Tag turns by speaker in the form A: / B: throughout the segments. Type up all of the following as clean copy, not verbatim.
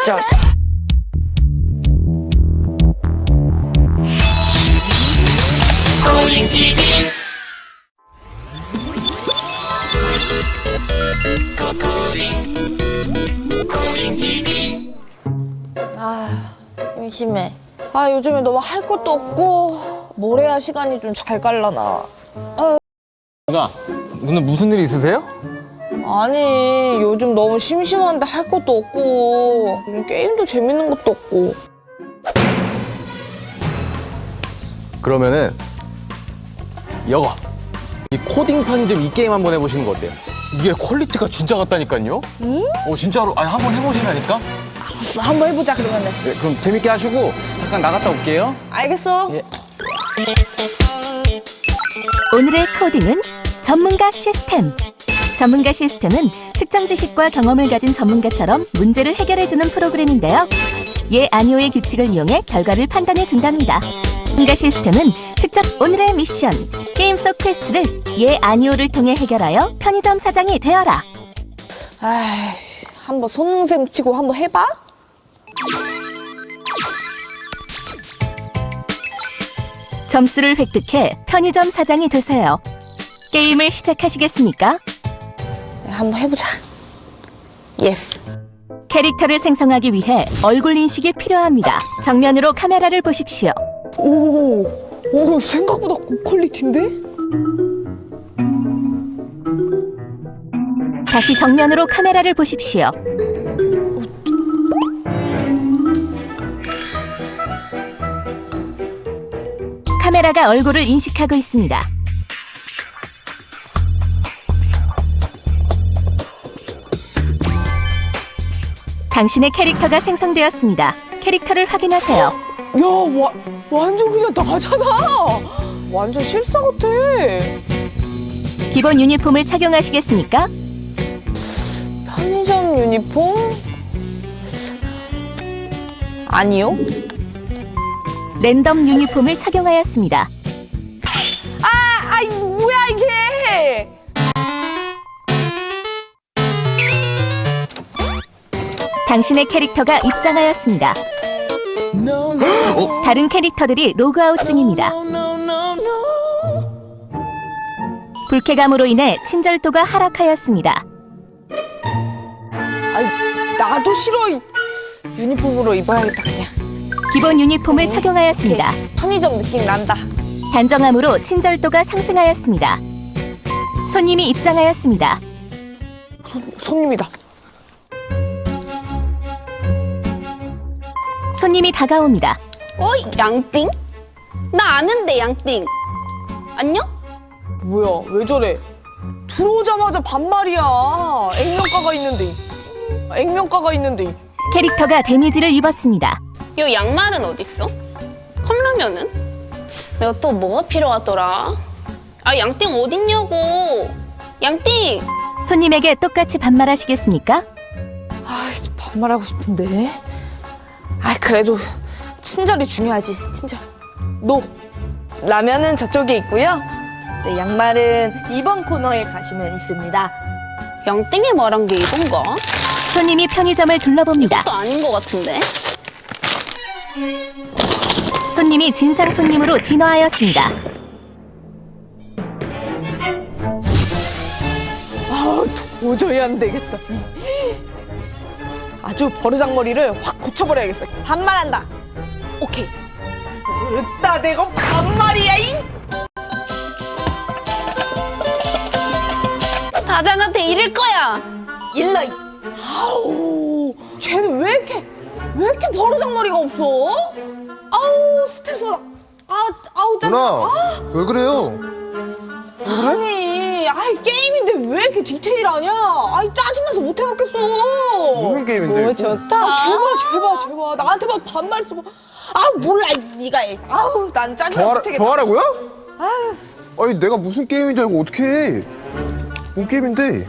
A: 좋았어. 아, 심심해. 아, 요즘에 너무 할 것도 없고 뭘 해야 시간이 좀 잘 갈라나.
B: 누나, 오늘 무슨 일 있으세요?
A: 아니, 요즘 너무 심심한데 할 것도 없고 게임도 재밌는 것도 없고.
B: 그러면은 이거 이 코딩 편집 이 게임 한번 해보시는 거 어때요? 이게 퀄리티가 진짜 같다니까요? 진짜로 아니 한번 해보시라니까?
A: 알았어, 한번 해보자 그러면은.
B: 네, 그럼 재밌게 하시고 잠깐 나갔다 올게요.
A: 알겠어.
B: 예.
C: 오늘의 코딩은 전문가 시스템. 전문가 시스템은 특정 지식과 경험을 가진 전문가처럼 문제를 해결해주는 프로그램인데요. 예, 아니오의 규칙을 이용해 결과를 판단해준답니다. 전문가 시스템은 직접 오늘의 미션, 게임 속 퀘스트를 예, 아니오를 통해 해결하여 편의점 사장이 되어라.
A: 아이씨, 한번 손능셈 치고 한번 해봐?
C: 점수를 획득해 편의점 사장이 되세요. 게임을 시작하시겠습니까?
A: 네, 한번 해보자. 예스.
C: 캐릭터를 생성하기 위해 얼굴 인식이 필요합니다. 정면으로 카메라를 보십시오.
A: 오, 생각보다 고퀄리티인데?
C: 다시 정면으로 카메라를 보십시오. 카메라가 얼굴을 인식하고 있습니다. 당신의 캐릭터가 생성되었습니다. 캐릭터를 확인하세요.
A: 야, 완전 그냥 나잖아. 완전 실사 같아.
C: 기본 유니폼을 착용하시겠습니까?
A: 편의점 유니폼? 아니요.
C: 랜덤 유니폼을 착용하였습니다.
A: 아이, 뭐야 이게?
C: 당신의 캐릭터가 입장하였습니다. 다른 캐릭터들이 로그아웃 중입니다. 불쾌감으로 인해 친절도가 하락하였습니다.
A: 아이, 나도 싫어. 유니폼으로 입어야겠다 그냥.
C: 기본 유니폼을 착용하였습니다.
A: 오케이. 편의점 느낌 난다.
C: 단정함으로 친절도가 상승하였습니다. 손님이 입장하였습니다.
A: 손님이다.
C: 손님이 다가옵니다.
D: 어이, 양띵? 나 아는데, 양띵. 안녕?
A: 뭐야, 왜 저래? 들어오자마자 반말이야. 액면가가 있는데.
C: 캐릭터가 데미지를 입었습니다.
D: 요 양말은 어딨어? 컵라면은? 내가 또 뭐가 필요하더라? 아, 양띵 어딨냐고. 양띵!
C: 손님에게 똑같이 반말하시겠습니까?
A: 아, 반말하고 싶은데. 아, 그래도 친절이 중요하지, 친절. 노. 라면은 저쪽에 있고요. 네, 양말은 이번 코너에 가시면 있습니다.
D: 양띵이 말한 게 이건가?
C: 손님이 편의점을 둘러봅니다.
D: 또 아닌 것 같은데?
C: 손님이 진상 손님으로 진화하였습니다.
A: 아, 도저히 안 되겠다. 아주 버르장머리를 확 고쳐버려야겠어. 반말한다. 오케이. 으따, 내가 반말이야,
D: 사장한테 이럴 거야!
A: 일러. 아우, 쟤는 왜 이렇게 버르장머리가 없어? 아우, 스트레스 받아. 아우, 짜증나.
E: 누나, 왜 그래요?
A: 아니, 게임인데 왜 이렇게 디테일하냐? 짜증나서 못 해먹겠어.
E: 무슨 게임인데?
D: 뭐
E: 이거?
D: 좋다.
A: 제발. 나한테 막 반말 쓰고. 몰라, 네가 해. 난 짜증나 못하겠다.
E: 저하라고요? 아니 내가 무슨 게임인지 알고 어떻게 해? 뭔 게임인데?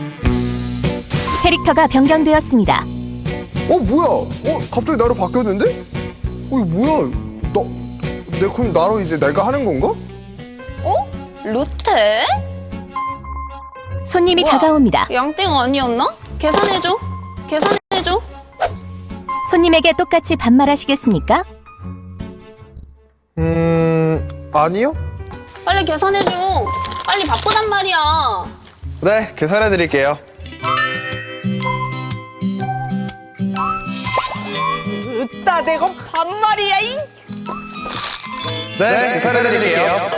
C: 캐릭터가 변경되었습니다.
E: 뭐야? 갑자기 나로 바뀌었는데? 이거 뭐야? 그럼 나로 이제 내가 하는 건가?
D: 어? 루테?
C: 손님이
D: 뭐야?
C: 다가옵니다.
D: 양띵 아니었나? 계산해줘.
C: 손님에게 똑같이 반말하시겠습니까?
E: 아니요.
D: 빨리 계산해줘. 빨리 바쁘단 말이야.
E: 네, 계산해 드릴게요.
A: 으따 내가 반말이야 이.
E: 네, 계산해 드릴게요.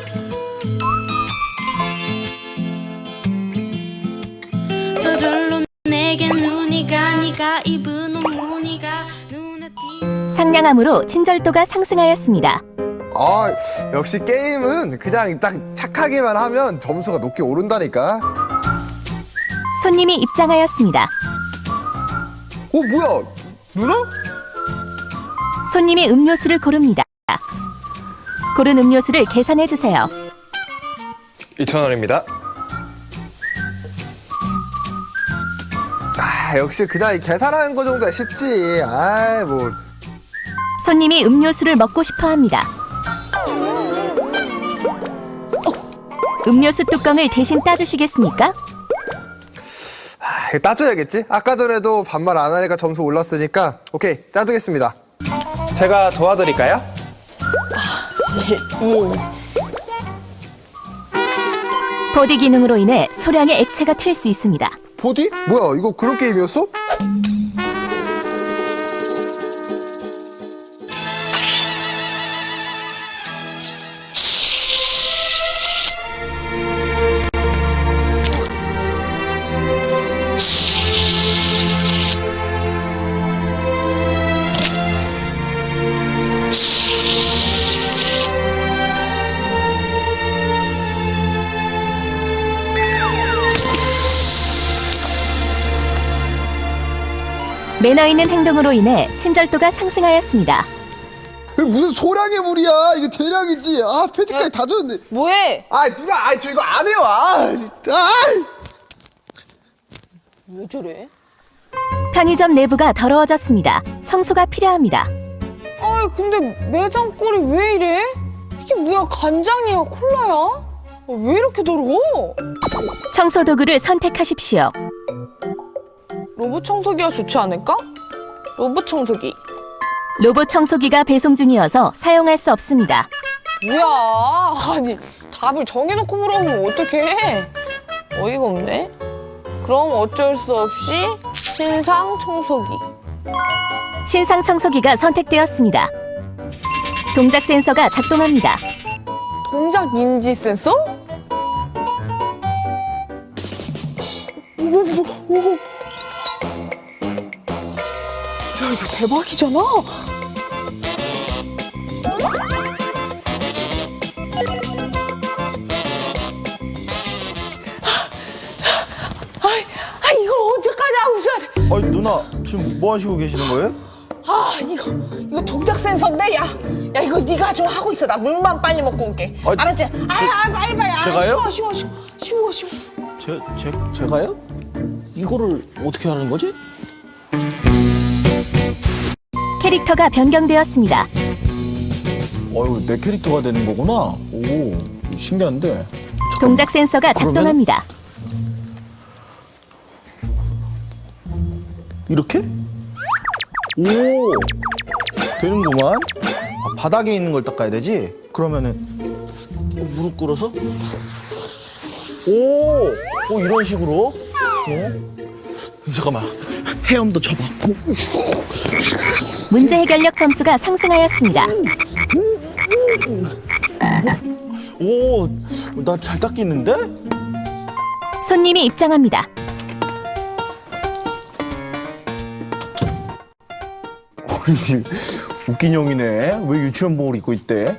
F: 저절로 내게 눈이 가 네가 입은 옷 무늬가 눈에 띄
C: 상냥함으로 친절도가 상승하였습니다.
E: 아, 역시 게임은 그냥 딱 착하게만 하면 점수가 높게 오른다니까.
C: 손님이 입장하였습니다.
E: 뭐야? 누나?
C: 손님이 음료수를 고릅니다. 고른 음료수를 계산해 주세요.
E: 2,000원입니다. 아, 역시 그냥 이 계산하는 거 정도야 쉽지. 아이, 뭐.
C: 손님이 음료수를 먹고 싶어 합니다. 음료수 뚜껑을 대신 따주시겠습니까?
E: 이거 따줘야겠지? 아까 전에도 반말 안 하니까 점수 올랐으니까 오케이, 따주겠습니다. 제가 도와드릴까요?
C: 보디 기능으로 인해 소량의 액체가 튈 수 있습니다.
E: 보디? 뭐야, 이거 그런 게임이었어?
C: 매너 있는 행동으로 인해 친절도가 상승하였습니다.
E: 이거 무슨 소량의 물이야. 이거 대량이지. 아, 패티까지 다 줬는데.
A: 뭐해?
E: 아, 누나, 저 이거 안 해요. 아, 진짜.
A: 왜 저래?
C: 편의점 내부가 더러워졌습니다. 청소가 필요합니다.
A: 아이 근데 매장 꼴이 왜 이래? 이게 뭐야, 간장이야 콜라야? 왜 이렇게 더러워?
C: 청소 도구를 선택하십시오.
A: 로봇 청소기가 좋지 않을까? 로봇 청소기.
C: 로봇 청소기가 배송 중이어서 사용할 수 없습니다.
A: 뭐야? 아니 답을 정해놓고 물어보면 어떡해? 어이가 없네. 그럼 어쩔 수 없이 신상 청소기.
C: 신상 청소기가 선택되었습니다. 동작 센서가 작동합니다.
A: 동작 인지 센서? 오. 야 이거 대박이잖아. 이걸 언제까지 하고 있어야 돼?
G: 아니 누나 지금 뭐 하시고 계시는 거예요?
A: 이거 동작 센서인데 야 이거 네가 좀 하고 있어. 나 물만 빨리 먹고 올게.
G: 아,
A: 알았지? 빨리.
G: 제가요?
A: 쉬워.
G: 제가요? 이거를 어떻게 하는 거지?
C: 캐릭터가 변경되었습니다.
G: 어휴 내 캐릭터가 되는 거구나. 오 신기한데.
C: 동작 센서가
G: 그러면-
C: 작동합니다.
G: 이렇게? 오 되는구만. 바닥에 있는 걸 닦아야 되지? 그러면은 무릎 꿇어서 오 이런 식으로. 잠깐만 헤엄도 쳐봐.
C: 문제 해결력 점수가 상승하였습니다.
G: 오 나 잘 닦이는데?
C: 손님이 입장합니다.
G: 웃긴 형이네. 왜 유치원복을 입고 있대?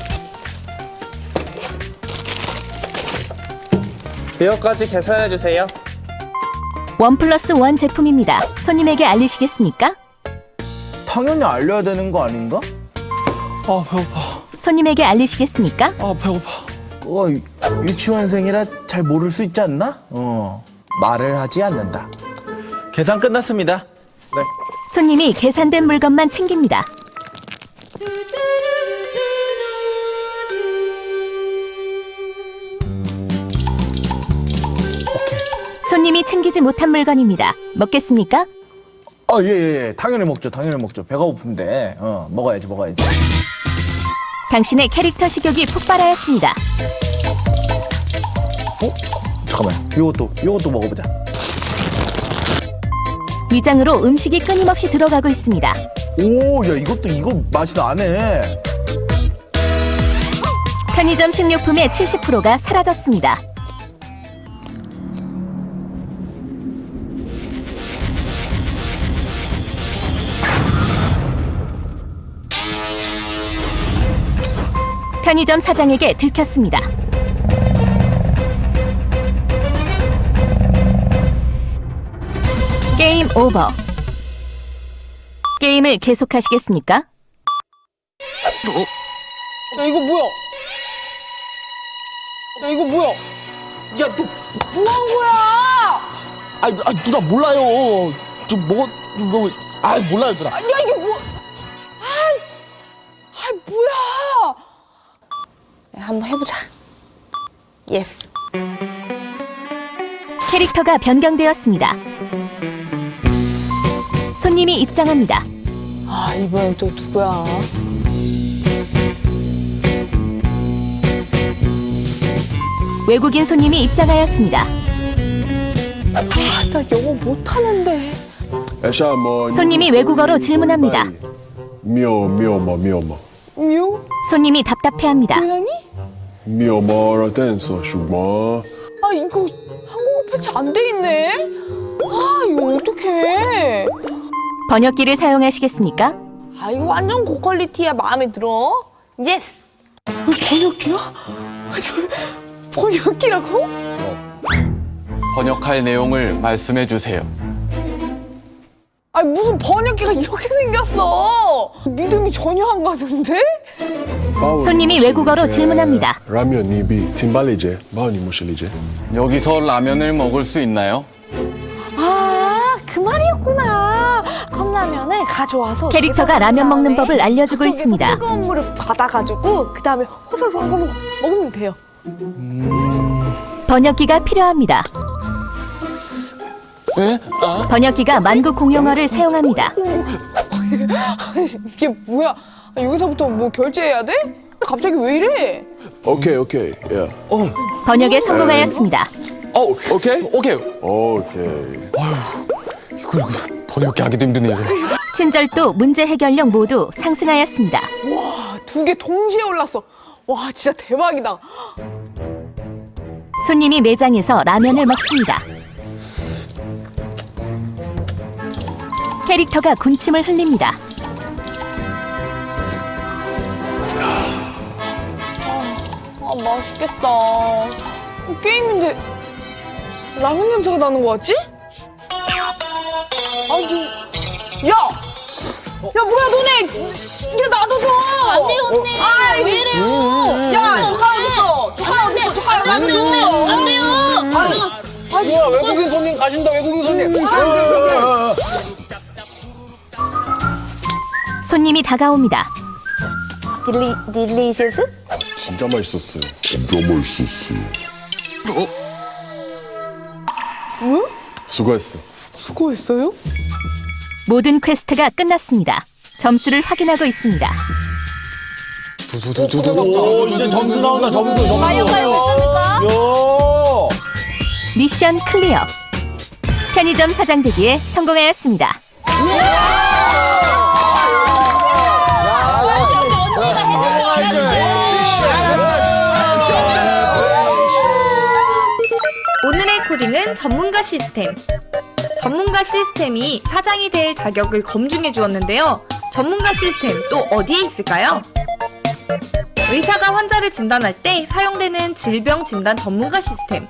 E: 이거까지 계산해 주세요.
C: 1+1 제품입니다. 손님에게 알리시겠습니까?
G: 당연히 알려야 되는 거 아닌가? 아 배고파.
C: 손님에게 알리시겠습니까?
G: 아 배고파. 유치원생이라 잘 모를 수 있지 않나? 말을 하지 않는다. 계산 끝났습니다.
E: 네.
C: 손님이 계산된 물건만 챙깁니다. 손님이 챙기지 못한 물건입니다. 먹겠습니까?
G: 예. 당연히 먹죠. 배가 고픈데. 먹어야지.
C: 당신의 캐릭터 식욕이 폭발하였습니다.
G: 잠깐만. 요것도 먹어보자.
C: 위장으로 음식이 끊임없이 들어가고 있습니다.
G: 오, 야, 이거 맛이 나네.
C: 편의점 식료품의 70%가 사라졌습니다. 편의점 사장에게 들켰습니다. 게임 오버. 게임을 계속하시겠습니까?
A: 야, 이거 뭐야? 야, 너 뭐 한 거야?
G: 누나 몰라요. 몰라요, 누나.
A: 야, 이게 뭐? 뭐야? 야, 한번 해보자. 예스.
C: 캐릭터가 변경되었습니다. 손님이 입장합니다.
A: 아, 이번엔 또 누구야?
C: 외국인 손님이 입장하였습니다.
A: 아, 나 영어 못하는데.
C: 손님이 외국어로 질문합니다.
H: 미오마
A: 뮤?
C: 손님이 답답해합니다.
A: 고양이?
H: 미오마라 댄서 슈마
A: 아, 이거 한국어 패치 안 돼 있네? 아, 이거 어떡해?
C: 번역기를 사용하시겠습니까?
A: 아, 이거 완전 고퀄리티야. 마음에 들어. 예스. 번역기야? 번역기라고?
B: 번역할 내용을 말씀해 주세요.
A: 아니, 무슨 번역기가 이렇게 생겼어? 믿음이 전혀 안 가는데?
C: 손님이 외국어로 질문합니다.
H: 라면 니비 팀발리제 마우니 무실리제
B: 여기서 라면을 먹을 수 있나요?
A: 아, 그 말이었구나. 컵라면을 가져와서
C: 캐릭터가 라면 먹는 법을 알려주고
A: 그쪽에서
C: 있습니다.
A: 뜨거운 물을 받아가지고 그 다음에 호로록 먹으면 돼요.
C: 번역기가 필요합니다.
B: 네?
C: 번역기가 만국 공용어를 사용합니다.
A: 이게 뭐야? 아, 여기서부터 뭐 결제해야 돼? 갑자기 왜 이래?
H: 오케이 야
C: 번역에 성공하였습니다.
B: 오케이. 이거 번역기 하기도 힘드네, 이거.
C: 친절도, 문제 해결력 모두 상승하였습니다.
A: 와, 2개 동시에 올랐어. 와, 진짜 대박이다.
C: 손님이 매장에서 라면을 먹습니다. 캐릭터가 군침을 흘립니다.
A: 아, 맛있겠다. 게임인데 라면 냄새가 나는 거 같지? 아니, 야, 뭐야 너네? 이게 놔둬서.
D: 안 돼요, 언니.
A: 아,
D: 왜 이래요?
A: 야, 젓가락 있어. 젓가락 있어. 젓가락
D: 안 돼요, 안 돼요.
B: 뭐야, 외국인 손님 가신다, 외국인 손님.
C: 손님이 다가옵니다.
A: 딜리셔스?
H: 진짜 맛있었어요.
A: 뭐?
H: 수고했어.
A: 수고했어요?
C: 모든 퀘스트가 끝났습니다. 점수를 확인하고 있습니다.
G: 오, 이제 점수 나온다. 점수.
D: 과연 몇 점입니까?
G: 요.
C: 미션 클리어. 편의점 사장 되기에 성공하였습니다.
D: 진짜 언니가 해줄 줄 알았어요.
I: 오늘의 코딩은 전문가 시스템. 전문가 시스템이 사장이 될 자격을 검증해 주었는데요. 전문가 시스템 또 어디에 있을까요? 의사가 환자를 진단할 때 사용되는 질병 진단 전문가 시스템.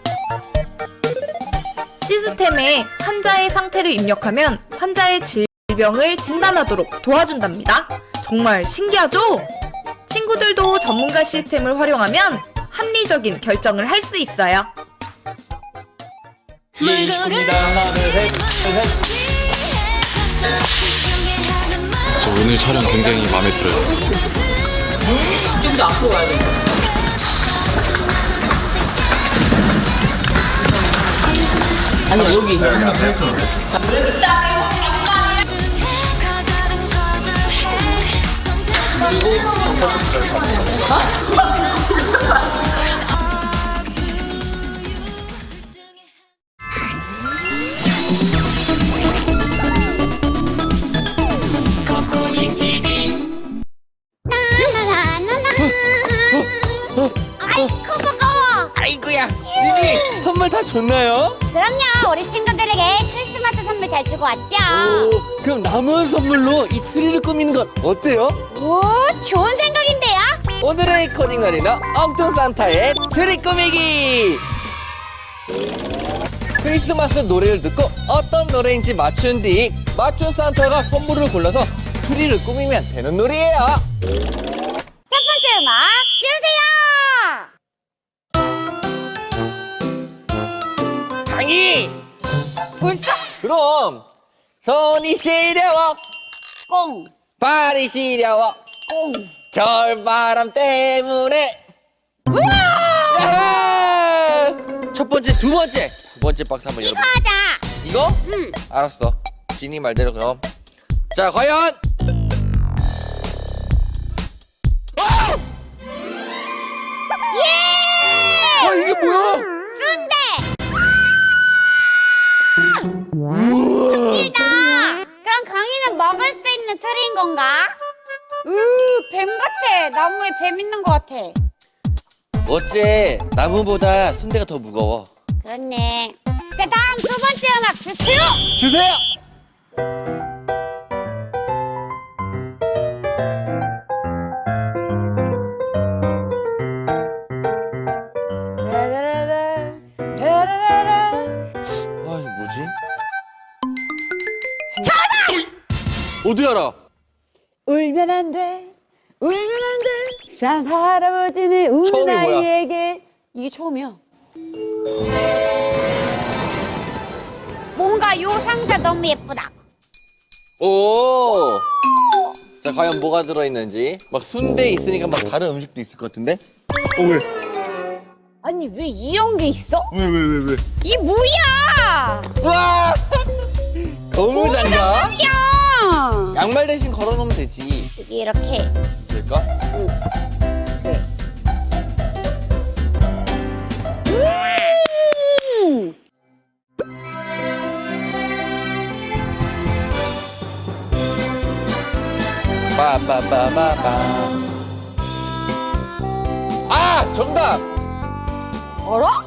I: 시스템에 환자의 상태를 입력하면 환자의 질병을 진단하도록 도와준답니다. 정말 신기하죠? 친구들도 전문가 시스템을 활용하면 합리적인 결정을 할 수 있어요.
B: 예, 20분입니다. 하나, 둘, 셋. 저 오늘 촬영 굉장히 마음에 들어요.
A: 좀 더 앞으로 가야 돼. 아니, 여기.
D: 아이고 무거워.
G: 아이고야, 준이 선물 다 줬나요?
D: 그럼요. 우리 친구들에게 크리스마스 선물 잘 주고 왔죠.
G: 그럼 남은 선물로 이 트리를 꾸미는 건 어때요?
D: 오, 좋은 생각인데요.
G: 오늘의 코딩 놀이는 엉뚱 산타의 트리 꾸미기! 크리스마스 노래를 듣고 어떤 노래인지 맞춘 뒤 맞춘 산타가 선물을 골라서 트리를 꾸미면 되는 놀이에요.
D: 첫 번째 음악 주세요.
G: 강희!
D: 벌써?
G: 그럼 손이 시려워
D: 꽁,
G: 발이 시려워
D: 꽁.
G: 겨울바람 때문에 야하! 첫 번째, 두 번째 박스 한번
D: 이거
G: 열어볼게요.
D: 하자.
G: 이거?
D: 응.
G: 알았어. 지니 말대로 그럼. 자, 과연
D: 예!
G: 와, 이게 뭐야?
D: 순대. 웃기다. 그럼 강이는 먹을 수 있는 틀인 건가? 뱀 같아. 나무에 뱀 있는 것 같아.
G: 어째 나무보다 순대가 더 무거워.
D: 그렇네. 자, 다음 두 번째 음악 주세요.
G: 주세요. 아, 이거 뭐지? 어디 알아?
J: 울면 안 돼, 울면 안 돼. 산 할아버지는 우는
G: 처음이 뭐야?
J: 아이에게.
D: 이게 처음이야. 뭔가 요 상자 너무 예쁘다.
G: 오. 자, 과연 뭐가 들어있는지. 막 순대 있으니까 막 다른 음식도 있을 것 같은데?
E: 왜?
D: 아니 왜 이런 게 있어?
E: 왜?
D: 이 뭐야?
G: 와! 고무장갑?
D: 야!
G: 양말 대신 걸어놓으면 되지.
D: 여기 이렇게.
G: 될까?
D: 그래.
G: 빠빠빠빠빠. 아! 정답!
D: 알아?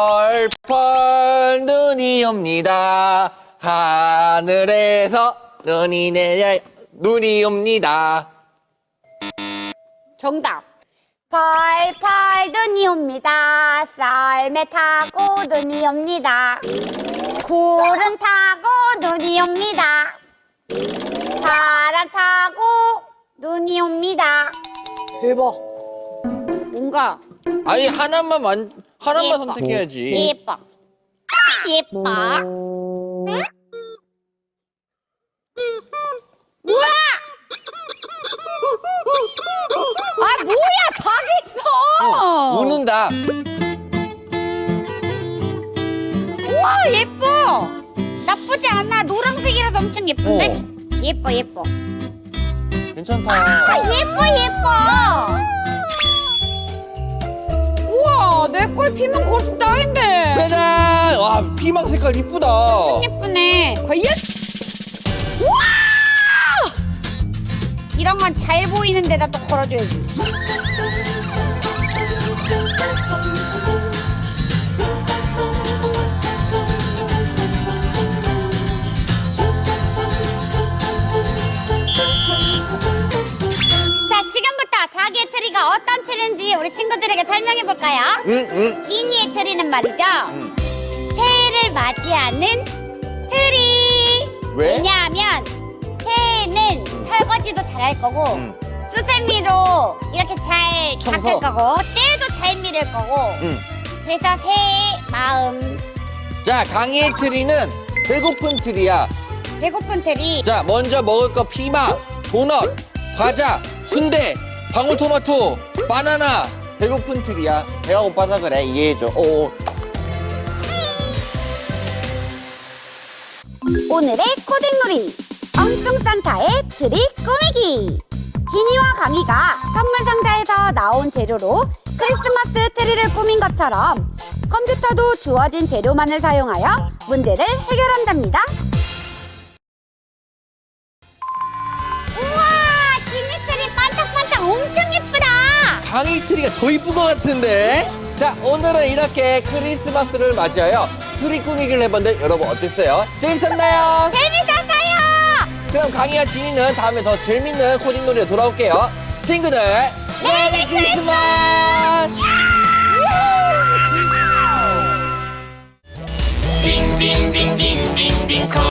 G: 펄펄 눈이 옵니다. 하늘에서 눈이 내려 눈이 옵니다.
D: 정답. 펄펄 눈이 옵니다. 썰매 타고 눈이 옵니다. 구름 타고 눈이 옵니다. 바람 타고 눈이 옵니다. 대박. 뭔가
G: 아니 하나만
D: 예뻐.
G: 선택해야지.
D: 예뻐. 예뻐. 뭐야? 아 뭐야? 다 됐어.
G: 우는다.
D: 우와 예뻐. 나쁘지 않아. 노란색이라서 엄청 예쁜데? 예뻐.
G: 괜찮다.
D: 아 예뻐. 우와 내 거에 피면 거기서 딱인데.
G: 짜잔! 와 피망 색깔 이쁘다.
D: 예쁘네. 과연? 우와! 이런 건 잘 보이는 데다 또 걸어줘야지. 자, 지금부터 자기의 트리가 어떤 트리인지 우리 친구들에게 설명해 볼까요?
G: 응.
D: 지니의 트리는 말이죠. 새해를 맞이하는 트리.
G: 왜?
D: 왜냐하면 새해는 설거지도 잘 할 거고 수세미로 이렇게 잘
G: 청소.
D: 닦을 거고 때도 잘 밀을 거고 그래서 새해 마음
G: 자 강의 트리는 배고픈 트리야.
D: 배고픈 트리.
G: 자 먼저 먹을 거 피망, 도넛, 과자, 순대, 방울토마토, 바나나. 배고픈 트리야. 배가 고파서 그래. 이해해줘. 오.
D: 오늘의 코딩놀이 엉뚱 산타의 트리 꾸미기. 지니와 강희가 선물 상자에서 나온 재료로 크리스마스 트리를 꾸민 것처럼 컴퓨터도 주어진 재료만을 사용하여 문제를 해결한답니다. 우와, 지니 트리 반짝반짝 엄청 예쁘다.
G: 강희 트리가 더 이쁜 것 같은데? 자, 오늘은 이렇게 크리스마스를 맞이하여 트리 꾸미기를 해봤는데 여러분 어땠어요? 재밌었나요?
D: 재밌었어요.
G: 그럼 강희와 지니는 다음에 더 재밌는 코딩 놀이로 돌아올게요. 친구들, 메리 크리스마스!
F: 빙빙빙빙빙빙